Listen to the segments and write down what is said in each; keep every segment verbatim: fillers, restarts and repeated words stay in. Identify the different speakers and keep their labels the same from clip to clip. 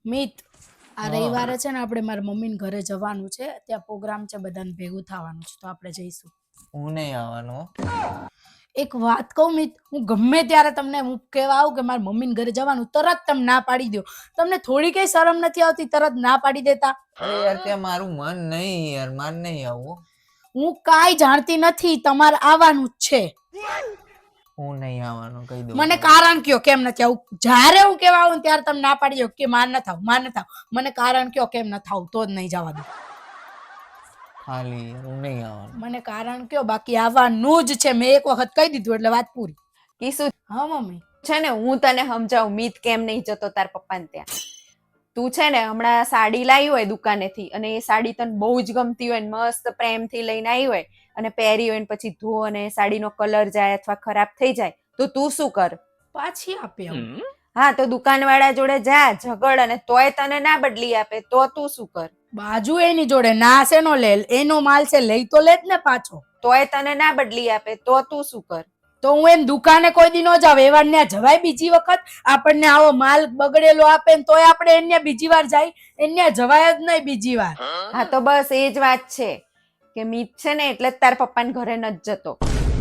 Speaker 1: મિત આ રવિવારે છે ને આપણે મારા મમ્મીને ઘરે જવાનું છે, ત્યાં પ્રોગ્રામ છે, બધાને ભેગું થવાનું છે, તો આપણે જઈશું.
Speaker 2: હું નહીં આવવાનો.
Speaker 1: એક વાત કહું મિત, હું ગમે ત્યારે તમને હું કહેવા આવું કે મારા મમ્મીને ઘરે જવાનું, તરત તમે ના પાડી દો. તમને થોડી કઈ શરમ નથી આવતી તરત ના પાડી દેતા?
Speaker 2: અરે યાર ત્યાં મારું મન નહીં યાર, માર નહીં આવું.
Speaker 1: હું કાંઈ જાણતી નથી, તમારે આવવાનું જ છે.
Speaker 2: હું નહીં આવવાનો કહી દઉં.
Speaker 1: મને કારણ કયો કેમ નથી આવું. જ્યારે હું કહેવા આવું ત્યારે તમે ના પાડી દો કે માર ન થાવ, માર ન થાવ. મને કારણ કયો કેમ ન થાવ, તો જ નહીં જવા દો.
Speaker 2: ખાલી હું નહીં આવવાનો.
Speaker 1: મને કારણ કયો, બાકી આવવાનું જ છે. મેં એક વખત કહી દીધું એટલે વાત પૂરી.
Speaker 3: કીસુ
Speaker 1: હા મમ્મી.
Speaker 3: છે ને હું તને સમજાવું મીત કેમ નહીં જતો તાર પપ્પાને ત્યાં. તું છે ને હમણાં સાડી લાવી હોય દુકાનેથી અને એ સાડી તને બહુ જ ગમતી હોય ને મસ્ત પ્રેમથી લઈને આવી હોય અને પહેરી હોય ને પછી ધો અને સાડીનો કલર જાય અથવા ખરાબ થઈ જાય તો તું શું કર?
Speaker 1: પાછી આપી આવું.
Speaker 3: હા તો દુકાનવાળા જોડે જા ઝઘડ અને તોય તને ના બદલી આપે તો તું શું કર?
Speaker 1: બાજુ એની જોડે ના શેનો લે, એનો માલ છે, લઈ તો લે જ ને પાછો.
Speaker 3: તોય તને ના બદલી આપે તો તું શું કર?
Speaker 1: તો હું એમ દુકાને કોઈ દી ન જાવ, એવા ને જવાય બીજી વખત? આપણને આવો માલ બગડેલો આપે ને તોય આપણે એને બીજી વાર જાય, એને જવાય જ નહીં બીજી વાર.
Speaker 3: હા તો બસ એ જ વાત છે કે મીત છે ને એટલે જ તાર પપ્પાને ઘરે નથી જતો.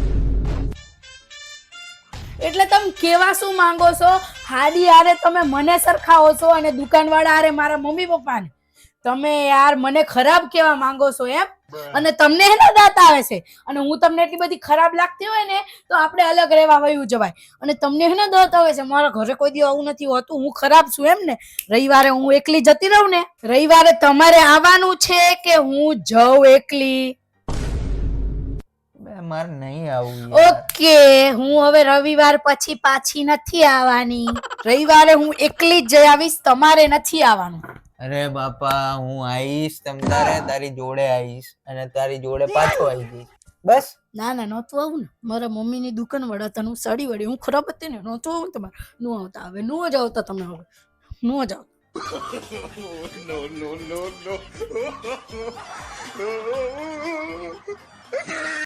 Speaker 1: એટલે તમે કેવા શું માંગો છો? હાડી હારે તમે મને સરખાવો છો અને દુકાનવાળા હારે મારા મમ્મી પપ્પાને. તમે યાર મને ખરાબ કેવા માંગો છો એમ? અને તમને એના દાંત આવે છે અને હું તમને એટલી બધી ખરાબ લાગતી હોય ને તો આપણે અલગ રહેવા વયું જવાય. અને તમને એના દાંત આવે છે, મારા ઘરે કોઈ દી આવું નથી હોતું, હું ખરાબ છું એમ ને? રવિવારે હું એકલી જતી રહું ને? રવિવારે તમારે આવવાનું છે કે હું જઉં એકલી?
Speaker 2: મારે નહીં આવું.
Speaker 1: ઓકે, હું હવે રવિવાર પછી પાછી નથી આવવાની. રવિવારે હું એકલી જ જઈ આવીશ, તમારે નથી આવવાનું.
Speaker 2: અરે બાપા હું આવીશ, તમ તારે તારી જોડે આવીશ અને તારી જોડે પાછો આવી જઈશ. બસ.
Speaker 1: ના ના નહોતું આવું ને, મારા મમ્મીની દુકાન વડા તને સડી વળી હું ખરાબ હતી ને, નહોતું આવું તમારે. નો આવતા, હવે નો જ આવતા તમે, હવે નો જ આવતા.
Speaker 4: no, no, no, no.